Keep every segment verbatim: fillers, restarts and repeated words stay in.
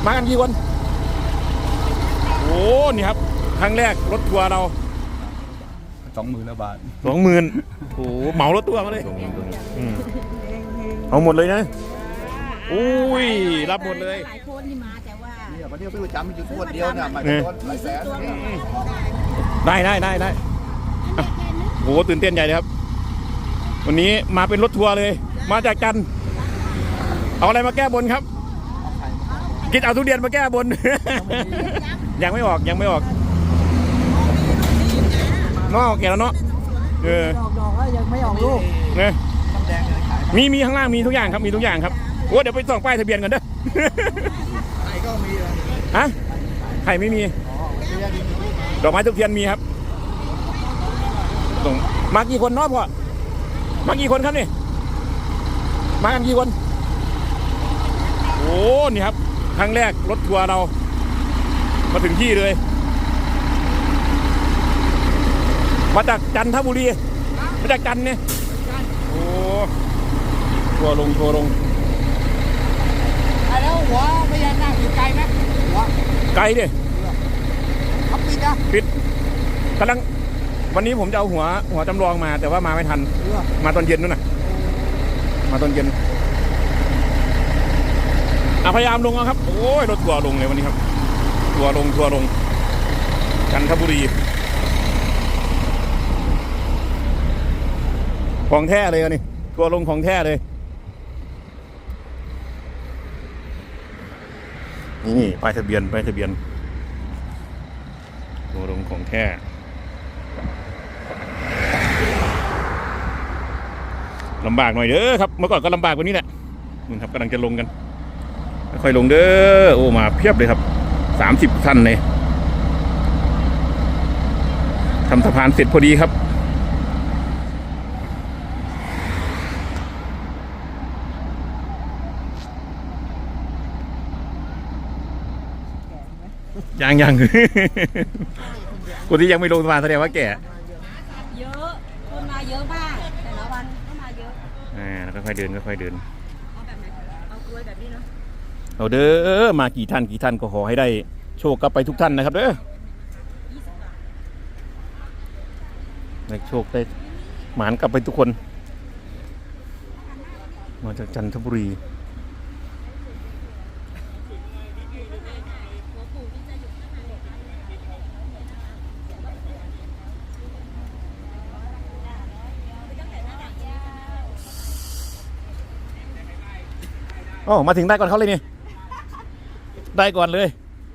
มากันกี่คนโอ้นี่ครับครั้งแรกรถทัวร์เราสองหมื่นละบาทสองหมื่นโอ้เหมารถทัวร์มาเลยเอาหมดเลยนะอุ้ยรับหมดเลยหลายคนที่มาแต่ว่าเนี่ยวันนี้ซื้อประจำมีอยู่ขวดเดียวเนี่ยมาโดนหลายแสนได้ได้ได้ได้โอ้ตื่นเต้นใหญ่เลยครับวันนี้มาเป็นรถทัวร์เลยมาจากจันทร์เอาอะไรมาแก้บนครับกินเอาทุเรียนมาแก้บนยังไม่ออกยังไม่ออกนอกแก่แล้วเนาะเออดอกดอกก็ยังไม่ออกลูกเนี่ยมีมีข้างล่างมีทุกอย่างครับมีทุกอย่างครับโอ้เดี๋ยวไปส่องป้ายทะเบียนกันเด้อไข่ก็มีฮะไข่ไม่มีดอกไม้ทุกเทียนมีครับส่งมากี่คนเนาะพ่อมากี่คนครับนี่มากันกี่คนโอ้นี่ครับครั้งแรกรถทัวร์เรามาถึงที่เลยมาจากจันทบุรีมาจากจันเนี่ยโอ้ทัวร์ลงทัวร์ลงแล้วหัวพญานาคอยู่ไกลไหมหัวไกลดิเขาปิดนะปิดกำลังวันนี้ผมจะเอาหัวหัวจำลองมาแต่ว่ามาไม่ทันมาตอนเย็นนู่นน่ะมาตอนเย็นอ่ะพยายามลงเอาครับโอ้ยรถทัวร์ลงเลยวันนี้ครับทัวร์ลงทัวร์ลงจันทบุรีของแท้เลยนี่ทัวร์ลงของแท้เลยนี่ป้ายทะเบียนป้ายทะเบียนทัวร์ลงของแท้ลำบากหน่อยเด้อครับเมื่อก่อนก็ลำบากกว่านี้แหละนี่ครับกำลังจะลงกันค่อยลงเด้อโอ้มาเพียบเลยครับสามสิบท่านเลยทำสะพานเสร็จพอดีครับยังยังคนที่ยังไม่ลงสะพานแสดงว่าแก่เยอะคนมาเยอะมากแต่ละวันก็มาเยอะอ่าแล้วค่อยๆเดินค่อยๆเดินเอาแบบไหนเอากล้วยแบบนี้เนาะเอาเด้อมากี่ท่านกี่ท่านก็ขอให้ได้โชคกลับไปทุกท่านนะครับเด้อได้โชคได้หมานกลับไปทุกคนมาจากจันทบุรีโอ้มาถึงได้ก่อนเขาเลยนี่ได้ก่อนเลย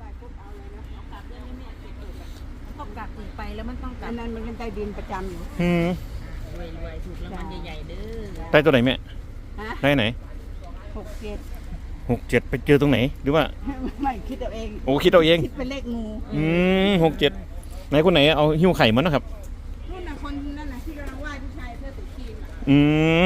ต้องกักถึงไปแล้วมันต้องกักนั่นมันเป็นใต้ดินประจำอยู่อืมรวยรวยถูกรางวัลใหญ่ๆเด้อได้ตัวไหนแม่ได้ไหนหกเจ็ดหกเจ็ดไปเจอตรงไหนหรือว่าไม่คิดเอาเองโอ้คิดเอาเองคิดเป็นเลขงูอืมหกเจ็ดไหนคนไหนเอาหิ้วไข่มันนะครับนู่นน่ะคนนั่นน่ะที่กำลังไหว้ผู้ชายเพื่อตุกีนอืม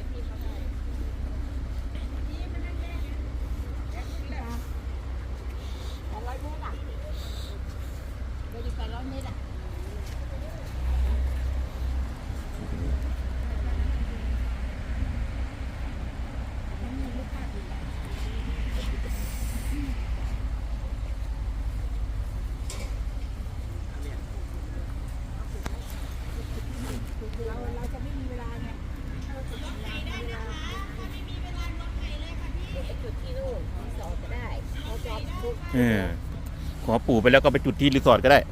ขอปู่ไปแล้วก็ไปจุดที่รีสอร์ทก็ได้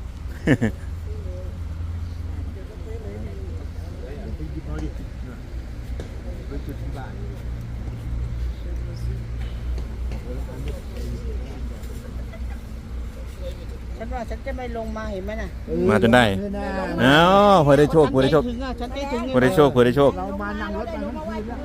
ฉันว่าฉันจะไม่ลงมาเห็นไหมน่ะมาจนได้อ้าวพอได้โชคพอได้โชคพอได้โชคพอได้โชคเรามานั่งรถมาทั้งคืนแล้ว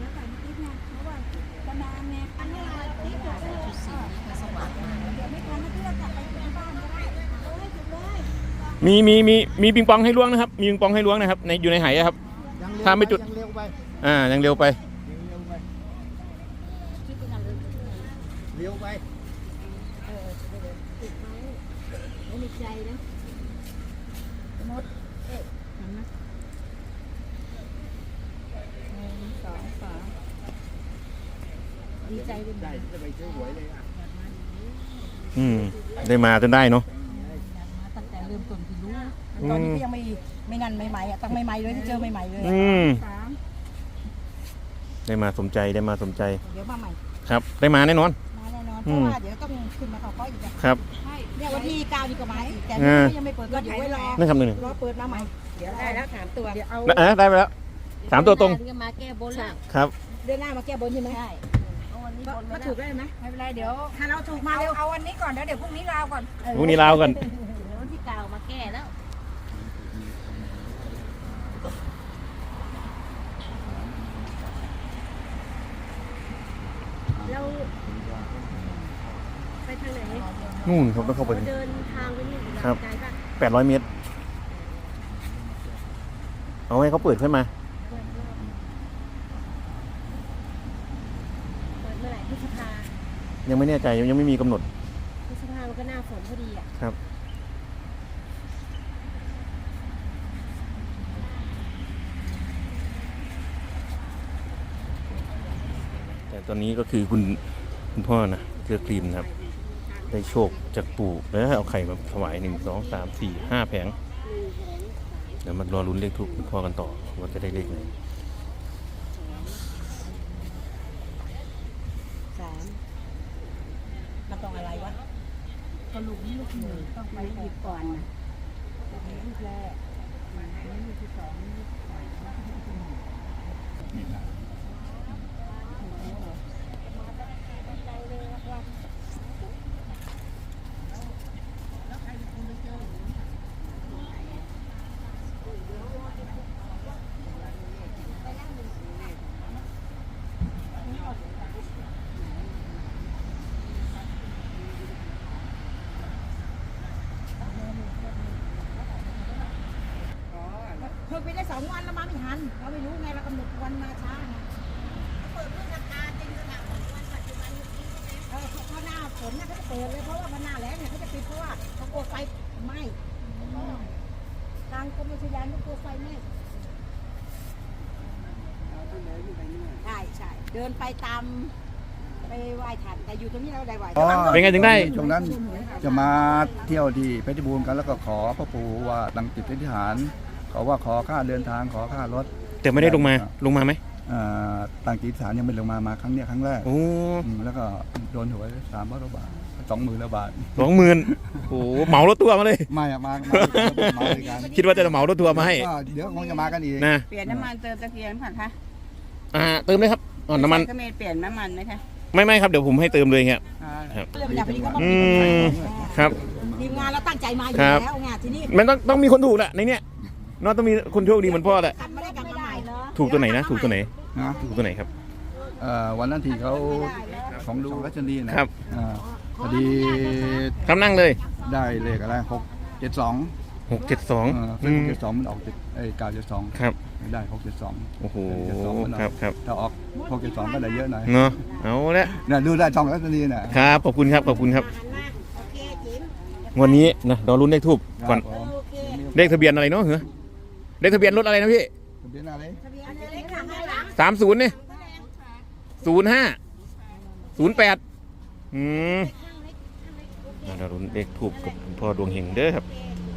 มีมีมีมีปิงปองให้ล้วงนะครับมีปิงปองให้ล้วงนะครับในอยู่ในไหครับถ้าไม่จุดอ่ายังเร็วไปเร็วไปไม่มีใจนะมดเอ๊ะเห็นไหมหนึ่งสองสามดีใจด้วยได้จะไปซื้อหวยเลยอ่ะอืมได้มาจนได้เนาะมาตั้งแต่เริ่มต้นที่รู้ตอนนี้ก็ยังไม่ไม่นั่นใหม่ๆอ่ะตั้งใหม่ๆเลยที่เจอใหม่ๆเลยอืมสามได้มาสมใจได้มาสมใจเดี๋ยวมาใหม่ครับ ได้มาแน่นอนมาแน่นอนอืเพมราะว่าเดี๋ยวต้องขึ้นมาเขาก็อีกอะครับใช่เนี่ยวันที่เก้านี่ก็มาอีกแต่อ่ายังไม่เปิดก็เดี๋ยวไว้รอนั่นคำหนึ่งรอเปิดมาใหม่เดี๋ยวได้แล้วสามตัวเดี๋ยวเอาอ่ะได้ไปแล้วสามตัวตรงก็มาแก้บนแล้วครับเดือนหน้ามาแก้บนใช่ไหมใช่เอาวันนี้ก็บนก็มาถูถูกกได้ไหมไม่เป็นไรเดี๋ยวถ้าเราถูกมาเอาเร็วเอาวันนี้ก่อนแล้วเดี๋ยวพรุ่งนี้ลาวก่อนพรุ่งนี้ลาวกันเดี๋ยววันที่เก้ามาแก้แล้วเราไปทางไหนนู่นครับต้องเข้าไปเราเดินทางไปนี่ครับไกลปะแปดร้อยเมตร เอาให้เขาเปิดขึ้นมาเปิดเมื่อไหร่พฤษภายังไม่แน่ใจยังไม่มีกำหนดพฤษภามันก็หน้าฝนพอดีอ่ะครับ แต่ตอนนี้ก็คือคุณคุณพ่อนะเลือกครีมนะครับ ได้โชคจากปู่แล้วเอาไข่มาถวายหนึ่งสองสามสี่ห้าแผง เดี๋ยวมารอลุ้นเลขทูปคุณพ่อกันต่อว่าจะได้เลขไหนสามมันต้องอะไรวะก็ลูกนี้ลูกหนึ่งต้องไปหยิบก่อนนะลูกแรกลูกที่สองลูกที่สามเพิ่งไปได้สองวันแล้วมาไม่ทันเราไม่รู้ไงเรากำหนดวันมาช้าไงเขาเปิดเพื่อทำการจริงขนาดของวันปัจจุบันนี้เออเขาหน้าฝนเนี่ยเขาจะเปิดเลยเพราะว่าวันหน้าแล้งเนี่ยเขาจะปิดเพราะว่าเขากลัวไฟไหม้ทางกรมอุทยานก็กลัวไฟไหม้ใช่ใช่เดินไปตามไปไหว้ท่านแต่อยู่ตรงนี้เราได้ไหว้อ๋อเป็นไงถึงได้ช่วงนั้นจะมาเที่ยวที่เพชรบูรณ์กันแล้วก็ขอพระปู่ว่าตั้งจิตอธิษฐานขอว่าขอค่าเดินทางขอค่ารถแต่ไม่ได้ลงมาลงมาไหมอ่าตั้งจิตอธิษฐานยังไม่ลงมามาครั้งเนี้ยครั้งแรกโอ้อืมแล้วก็โดนหวยสามร้อยบาทสองหมื่นบาทสองหมื่นโอ้เหมารถทัวร์มาเลยไม่อะมามามาด้วยกันคิดว่าจะเหมารถทัวร์มาให้ก็เดี๋ยวคงจะมากันอีกนะเปลี่ยนน้ำมันเติมตะเกียงผ่านคะอ่าเติมเลยครับอ๋อน้ำมันก็เมนเปลี่ยนน้ำมันไหมคะไม่ไม่ครับเดี๋ยวผมให้เติมเลยครับอ๋อครับเรื่องแบบนี้ก็ต้องอืมีคนมครับทีมงานเราตั้งใจมาอยู่ครับแล้วไงทีนี้มันต้องต้องมีคนถูกแหละในเนี้ยเนอะต้องมีคนโชคดีเหมือนพ่อแหละกลับไม่ได้กลับมาใหม่เนาะถูกตัวไหนนะ ถูกตัวไหนนะถูกตัวไหนครับเอ่อวันนั้นที่เขาของดูรัชนีนะครับ อ่าพอดีครับนั่งเลยได้เลขอะไรหกเจ็ดสองหกเจ็ดสองซึ่งหกเจ็ดสองมันออกเจ็ดไอ้เก้าเจ็ดสองครับได้หกเจ็ดสองโอ้โหเจ็ดสองมันออกครับครับถ้าออกหกเจ็ดสองก็ได้เยอะหน่อยเนาะเอาละเนี่ยดูได้ช่องรัชนีน่ะครับขอบคุณครับขอบคุณครับหันมาโอเคจิ๋มวันนี้นะเราลุ้นเลขทูบก่อนครับผมโอเคเลขทะเบียนอะไรเนาะเหรอเลขทะเบียนรถอะไรนะพี่ทะเบียนอะไรทะเบียนเล็กหลังให้หลังสามศูนย์เนี่ยศูนย์ห้าศูนย์แปดอืมเราลุ้นเลขทูบกับคุณพ่อดวงเฮงเด้อครับ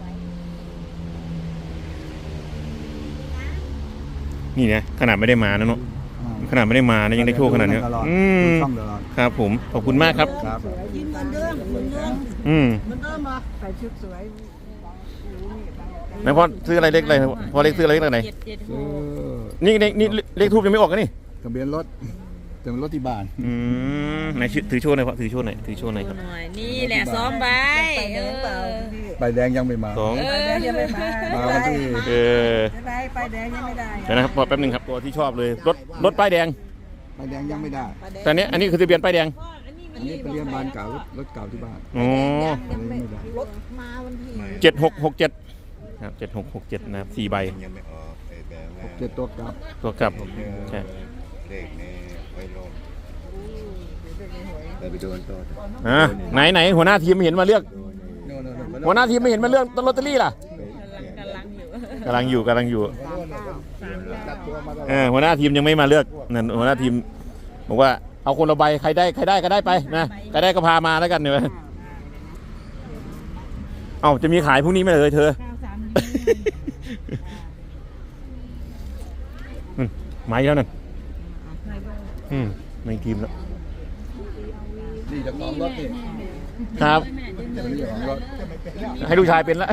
นี่นะขนาดไม่ได้มานะเนาะอ่าขนาดไม่ได้มานะยังได้โชคขนาดเนี้ยตลอดอืมช่องตลอดครับผมขอบคุณมากครับครับยืนเหมือนเดิมเหมือนเดิมอืมเหมือนเดิมเหรอใส่ชุดสวยแล้วพ่อซื้ออะไรเลขอะไรพ่อเลขซื้ออะไรเลขอะไรเจ็ดเจ็ดเออนี่นี่นี่เลขทูบยังไม่ออกกันนี่ทะเบียนรถทะเบียนรถที่บ้านอืมไหนชื่อถือโชว์หน่อยพ่อถือโชว์หน่อยถือโชว์หน่อยครับหน่อยนี่แหละซ้อมใบเออใบแดงยังไม่มาสองเออยังไม่มามาวันที่เออใบใบแดงยังไม่ได้เดี๋ยวนะครับพอแป๊บหนึงครับตัวที่ชอบเลยรถรถป้ายแดงใบแดงยังไม่ได้แต่อันนี้อันนี้คือทะเบียนป้ายแดงอันนี้เป็นเรียนบ้านเก่ารถรถเก่าที่บ้านอ๋ออันนี้ไม่ได้รถมาวันที่เจ็ดหกหกเจ็ดครับเจ็ดหกหกเจ็ดนะครับสี่ใบยังไม่ออกไอ้แบบหกเจ็ดตัวกลับตัวกลับใช่เลขในไว้ลงไปไปโดนตัวอ่าไหนไหนหัวหน้าทีมไม่เห็นมาเลือกโน่นโน่นโน่นหัวหน้าทีมไม่เห็นมาเลือกลอตเตอรี่ล่ะกำลังอยู่กำลังอยู่กำลังอยู่จัดตัวมาตลอดเออหัวหน้าทีมยังไม่มาเลือกนั่นหัวหน้าทีมบอกว่าเอาคนละใบใครได้ใครได้ก็ได้ไปนะใครได้ก็พามาแล้วกันเนี่ยเอ้าจะมีขายพรุ่งนี้ไหมเลยเธอเก้าสามอืมมาอีกแล้วนั่นอืมไม่ทีมแล้วนี่เจะของรถนี่ครับนี่เจ้าของรถให้ลูกชายเป็นละ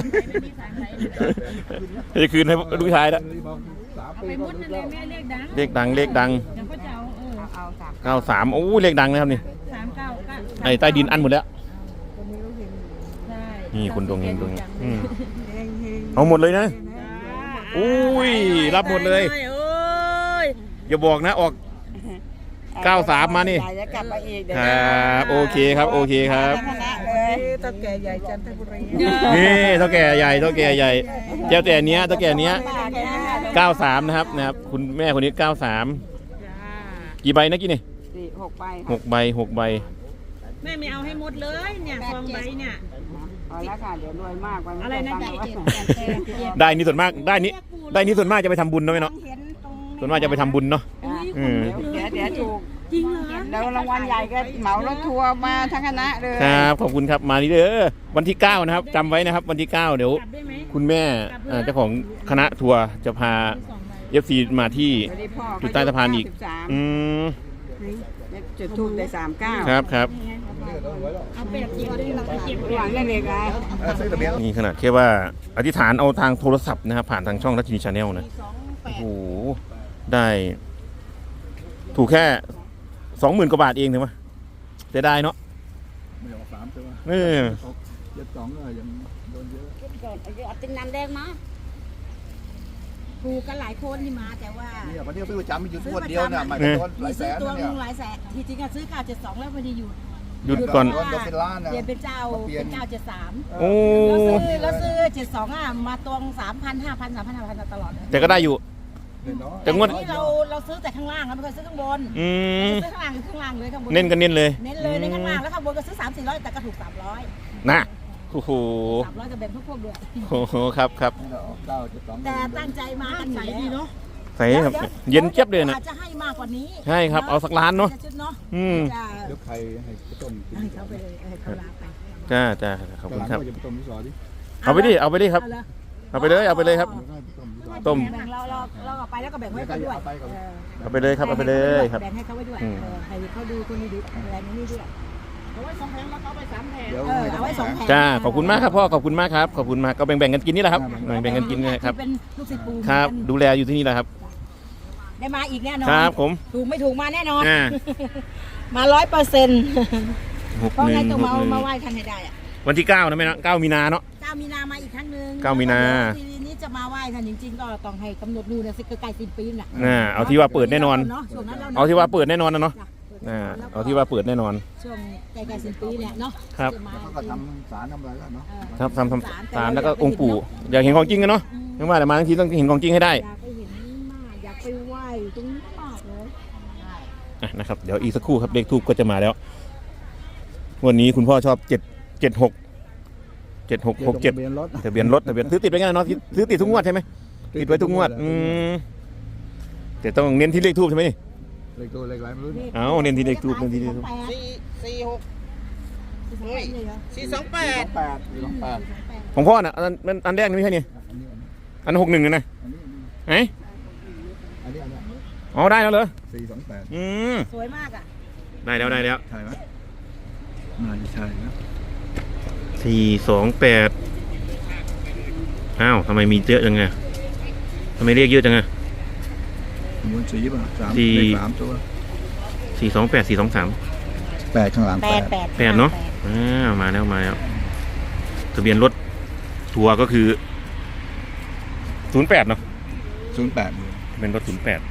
จะคืนให้ลูกชายละสามเอาปีไปก็มุดรู้นั่นเลแล้ยว แม่เลขดังเลขดังเลขดังเดี๋ยวก็จะเอาเออเอาสามเก้าสามโอ้เลขดังนะครับนี่สามเก้าเก้าไอ้ใต้ดินอันหมดแล้วใช่นี่คนดวงเฮงดวงเฮงอืมเอาหมดเลยนะอุ้ยรับหมดเลยโอ้ยอย่าบอกนะออกเก้าสามมานี่ใหญ่จะกลับมาอีกเดี๋ยวครับโอเคครับโอเคครับคณะเลยตะแก่ใหญ่จันทบุรีนี่เท่าแก่ใหญ่เท่าแก่ใหญ่เจ้าแต่เนี้ยเท่าแก่เนี้ยเก้าสามนะครับนะครับคุณแม่คนนี้เก้าสามกี่ใบนะกี่นี่สี่หกใบหกใบหกใบแม่ไม่เอาให้หมดเลยเนี่ยซองใบเนี่ยพอแล้วค่ะเดี๋ยวรวยมากไปอะไรนะตั้งไว้ได้นี่ส่วนมากได้นี่ได้นี่ส่วนมากจะไปทำบุญเนาะแม่เนาะเห็นตรงส่วนมากจะไปทำบุญเนาะอ่ะอืมเดี๋ยวเดี๋ยวถูกจริงเหรอแล้วรางวัลใหญ่ก็เหมารถทัวร์มาทั้งคณะเลยครับขอบคุณครับมานี่เด้อวันที่เก้านะครับจำไว้นะครับ วันที่เก้าเดี๋ยวกลับได้ไหมคุณแม่เอ่อเจ้าของคณะทัวร์จะพาสองใบเอฟซีมาที่วันนี้พ่อจุดใต้สะพานอีกสิบสามอืมจุดทูบได้สามเก้าครับครับเอาเป็ดเจียวด้วยเราไปเก็บหวังได้เลยไงซื้อทะเบียนนี่ขนาดแค่ว่าอธิษฐานเอาทางโทรศัพท์นะครับผ่านทางช่องรัชนีชาแนลนะโอ้โหได้ ถูกแค่สองหมื่นกว่าบาทเองถูกไหมเสียดายเนาะไม่ออกสามใช่ไหมเออเจ็ดสองก็ยังโดนเยอะเอาติงน้ำแดงมาถูกกันหลายคนที่มาแต่ว่าเนี่ยวันนี้ซื้อประจำมีอยู่งวดเดียวเนี่ยมันโดนหมีลายแสซื้อน ตัวนะเนี่ยหลายแสนที่จริงอะซื้อเก้าเจ็ดสองแล้วพอดีอยู่หยุดก่อนโดนเป็นล้านนะเปลี่ยนเป็นเจ้าเปลี่ยนเป็นเจ้าเจ็ดสามโอ้แล้วซื้อแล้วซื้อเจ็ดสองอ่ะมาตวงสามพันห้าพันสามพันห้าพันตลอดเลยแต่ก็ได้อยู่น้อยแต่งวดนี่เราเราซื้อแต่ข้างล่างเราไม่เคยซื้อข้างบนอืมซื้อข้างล่างคือข้างล่างเลยข้างบนเน้นกันเน้นเลยเน้นเลยในข้างล่างแล้วข้างบนก็ซื้อสามสี่ร้อยแต่ก็ถูกสามร้อยนะโอ้โหสามร้อยจะแบ่งพวกพวกด้วยโอ้โหครับครับนี่เราออกเก้าเจ็ดสองแต่ตั้งใจมากันใสดีเนาะใส่ครับเย็นเจี๊ยบเลยนะอาจจะให้มากกว่านี้ใช่ครับเอาสักล้านเนาะจะชุดเนาะอืมจะเดี๋ยวใครให้ไปต้มกินให้เขาไปเลยให้เขาลาไปจ้าจ้าขอบคุณครับจะไปต้มที่ซอยดิเอาไปดิเอาไปดิครับเอาเลยเอาไปเลยเอาไปเลยครับเดี๋ยวให้ไปต้มที่ซอยต้มแบ่งเราเราเราเอาไปแล้วก็แบ่งให้เขาด้วยเอาไปก่อนเออเอาไปเลยครับเอาไปเลยครับแบ่งให้เขาไว้ด้วยอืมเออให้เขาดูคนนี้ดูอะไรนี่ด้วยเอาไว้สองแผงแล้วเขาเอาไปสามแผงเดี๋ยวเออเอาไว้สองแผงจ้าขอบคุณมากครับพ่อขอบคุณมากครับขอบคุณมากก็แบ่งๆกันกินนี่แหละครับแบ่งๆกันกินนะครับเป็นลูกศิษย์ปูครับเหมือนกันดูแลอยู่ที่นี่แหละครับได้มาอีกแน่นอนครับผมถูกไม่ถูกมาแน่นอนอ่ามาร้อยเปอร์เซ็นต์หกเพราะหนึ่ไงงต้องหกมาหนึ่งมาไหว้ท่านให้ได้อะวันที่เก้านะแม่นะเก้ามีนาเนาะเก้ามีนามาอีกครั้งหนึ่งเก้ามีนาทีนี้จะมาไหว้ท่านจริงๆก็ต้องให้กำหนดนู่นนะสิใกล้ๆสิ้นปีน่ะอ่าเอาที่ว่าเปิดแน่นอนเาะช่วงนั้นเราเอาที่ว่าเปิดแน่นอนนะเนาะจ้ะอ่าเอาที่ว่าเปิดแน่นอนช่วงใกล้ๆสิ้นปีเนี่ยเนาะครับจะมาเขาก็ทำสารทำอะไรแล้วเนาะเออครับทำทำสารแล้วก็องค์ปู่อยากเห็นของจริงกันเนาะไม่ว่าแต่มาทั้งทีต้องเห็นของจริงให้ได้อยากไปเห็นมากอยากไปไหว้ตรงนี้มากเลยอ่ะนะครับเดี๋ยวอีกสักครู่ครับเลขทูบก็จะมาแล้ว วันนี้คุณพ่อชอบเจ็ดเจ็ดหกเจ็ดหกหกเจ็ดทะเบียนรถทะเบียนรถทะเบียนซื้อติดไปงั้นเนาะซื้อติดทุกงวดใช่ไหมติดไว้ทุกงวดอืมแต่ต้องเน้นที่เลขทูบใช่ไหมนี่เลขตัวเลขอะไรไม่รู้เนี่ยเอาเน้นที่เลขทูบเน้นที่เลขทูบสี่สี่หกเฮ้ยสี่สองแปสดองแปดสี่สองแปดของพ่อน่ะอันนั้นอันแรกนี่ไม่ใช่นี่อันนี้อันหกหนึ่งนะอันนี้ไหนอันนี้อันนี้อ๋อได้แล้วเหรอสี่สองแปดอืมสวยมากอ่ะได้แล้วได้แล้วใช่ไหมน่าจะใช่นะสี่สองแปดอ้าวทำไมมีเยอะจังไงทำไมเรียกเยอะจังไงม้วนสีป่ะสามสี่เลขสามตัวสี่สองแปดสี่สองสามแปดข้างหลังแปแปดดแปดแปดเนาะอ่ามาแล้วมาแล้วทะเบียนรถทัวร์ก็คือศูนย์แปดเนาะศูนย์แปดเป็นรถศูนย์แปด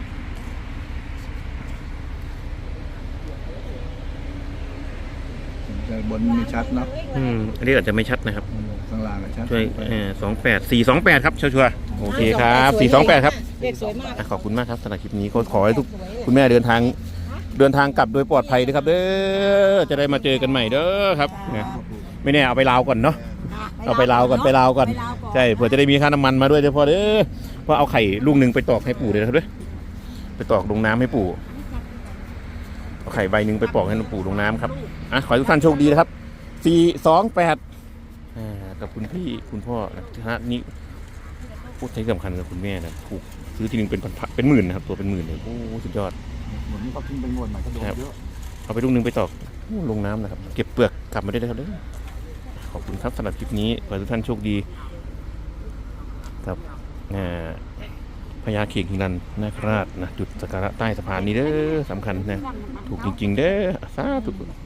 แต่บนไม่ชัดเนาะอืมอันนี้อาจจะไม่ชัดนะครับข้างล่างอะชัดช่วยเออสองแปดสี่สองแปดครับชัวร์ๆโอเคครับสี่สองแปดครับเลขสวยมากอ่ะขอบคุณมากครับสำหรับคลิปนี้ก็ขอให้ทุกคุณแม่เดินทางเดินทางกลับโดยปลอดภัยด้วยครับเด้อจะได้มาเจอกันใหม่เด้อครับเนี่ยไม่แน่เอาไปลาวก่อนเนาะเอาไปลาวก่อนไปลาวก่อนใช่เผื่อจะได้มีค่าน้ำมันมาด้วยเฉพาะเด้อเพราะเอาไข่ลูกหนึ่งไปตอกให้ปู่เลยนะครับเด้อไปตอกลงน้ำให้ปู่เอาไข่ใบหนึ่งไปปอกให้ปู่ลงน้ำครับอ่ะขอให้ทุกท่านโชคดีนะครับสี่สองแปดอ่ากับคุณพี่คุณพ่อนะที่ฮะนี่พูดที่สำคัญกับคุณแม่นะถูกซื้อทีนึงเป็นพันเป็นหมื่นนะครับตัวเป็นหมื่นเลยโอ้สุดยอดเหมือนนี้เขาทิ้งไปงวดใหม่ก็โดนเยอะเอาไปลูกนึงไปตอกโอ้ลงน้ำนะครับเก็บเปลือกกลับมาได้เลยครับเด้อขอบคุณครับสำหรับคลิปนี้ขอให้ทุกท่านโชคดีครับอ่าพญาเข่งหิรันนาคราชนะจุดสักการะใต้สะพานนี้เด้อสำคัญนะถูกจริงๆเด้อสาธุ